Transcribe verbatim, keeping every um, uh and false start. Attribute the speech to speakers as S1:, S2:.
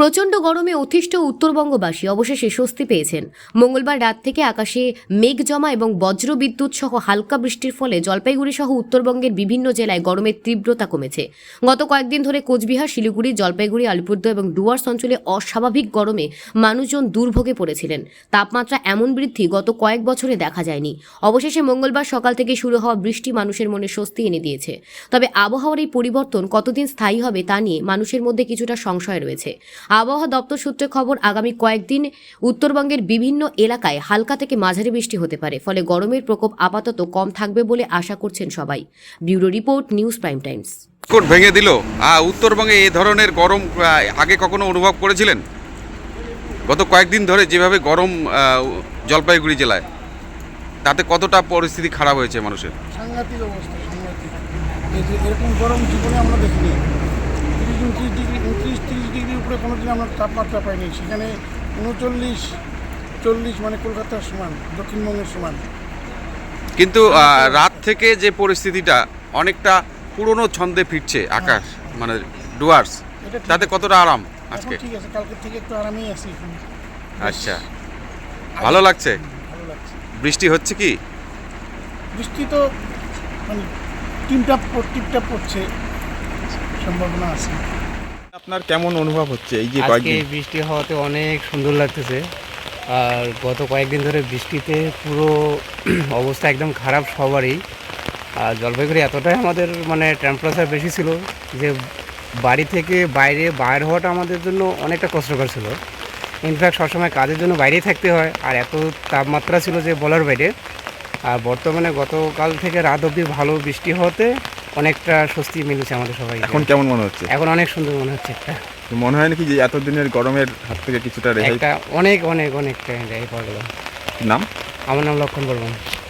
S1: প্রচণ্ড গরমে অতিষ্ঠ উত্তরবঙ্গবাসী অবশেষে স্বস্তি পেয়েছেন। মঙ্গলবার রাত থেকে আকাশে মেঘ জমা এবং বজ্র বিদ্যুৎ সহ হালকা বৃষ্টির ফলে জলপাইগুড়ি সহ উত্তরবঙ্গের বিভিন্ন জেলায় গরমের তীব্রতা কমেছে। গত কয়েকদিন ধরে কোচবিহার, শিলিগুড়ি, জলপাইগুড়ি, আলিপুরদুয়ার এবং ডুয়ার্স অঞ্চলে অস্বাভাবিক গরমে মানুষজন দুর্ভোগে পড়েছিলেন। তাপমাত্রা এমন বৃদ্ধি গত কয়েক বছরে দেখা যায়নি। অবশেষে মঙ্গলবার সকাল থেকে শুরু হওয়া বৃষ্টি মানুষের মনে স্বস্তি এনে দিয়েছে। তবে আবহাওয়ার এই পরিবর্তন কতদিন স্থায়ী হবে তা নিয়ে মানুষের মধ্যে কিছুটা সংশয় রয়েছে। আবহাওয়া দপ্তর সূত্রে খবর, আগামী কয়েকদিন উত্তরবঙ্গের বিভিন্ন এলাকায় হালকা থেকে মাঝারি বৃষ্টি হতে পারে। ফলে গরমের প্রকোপ আপাতত কম থাকবে বলে আশা করছেন সবাই। Bureau report, news prime times.
S2: কোট ভেঙে দিল। উত্তরবঙ্গে এই ধরনের গরম আগে কখনো অনুভব করেছিলেন? গত কয়েকদিন ধরে যেভাবে গরম জলপাইগুড়ি জেলায়, তাতে কতটা পরিস্থিতি খারাপ হয়েছে মানুষের?
S3: সাংঘাতিক অবস্থা, সাংঘাতিক। এই যে এরকম গরম জীবনে আমরা দেখিনি। তিরিশ উনত্রিশ ডিগ্রি উনত্রিশ তিরিশ ডিগ্রির উপরে কোনো দিন আমরা তাপমাত্রা পাইনি। সেখানে উনচল্লিশ চল্লিশ মানে কলকাতার সমান, দক্ষিণবঙ্গের সমান।
S2: কিন্তু রাত থেকে যে পরিস্থিতিটা অনেকটা পুরনো ছন্দে ফিরছে আকাশ, মানে ডুয়ার্স, তাতে কতটা আরাম আজকে?
S3: ঠিক আছে, কালকের থেকে একটু আরামেই আছি এখন।
S2: আচ্ছা, ভালো লাগছে?
S3: ভালো লাগছে।
S2: বৃষ্টি হচ্ছে কি?
S3: বৃষ্টি তো মানে টিপটাপ টিপটাপ পড়ছে, সম্ভাবনা আছে।
S4: আপনার কেমন অনুভব হচ্ছে এই যে
S5: আজকে
S4: কয়েকদিন?
S5: বৃষ্টি হওয়াতে অনেক সুন্দর লাগতেছে। আর গত কয়েকদিন ধরে বৃষ্টিতে পুরো অবস্থা একদম খারাপ সবারই। আর জলপাইগুড়ি এতটাই আমাদের মানে টেম্পারেচার বেশি ছিল যে বাড়ি থেকে বাইরে বাইর হওয়াটা আমাদের জন্য অনেকটা কষ্টকর ছিল। ইনফ্যাক্ট সবসময় কাজের জন্য বাইরেই থাকতে হয়, আর এত তাপমাত্রা ছিল যে বলার বাইরে। আর বর্তমানে গতকাল থেকে রাত অবধি ভালো বৃষ্টি হওয়াতে অনেকটা স্বস্তি মিলেছে আমাদের সবাই।
S4: এখন কেমন মনে হচ্ছে?
S5: এখন অনেক সুন্দর মনে হচ্ছে। একটা
S4: মনে হয় নাকি যে এতদিনের গরমের হাত থেকে কিছুটা রেহাই?
S5: একটা অনেক অনেক অনেকটা রেহাই পাওয়া গেল।
S4: নাম?
S5: আমার নাম লক্ষণ বর্মন।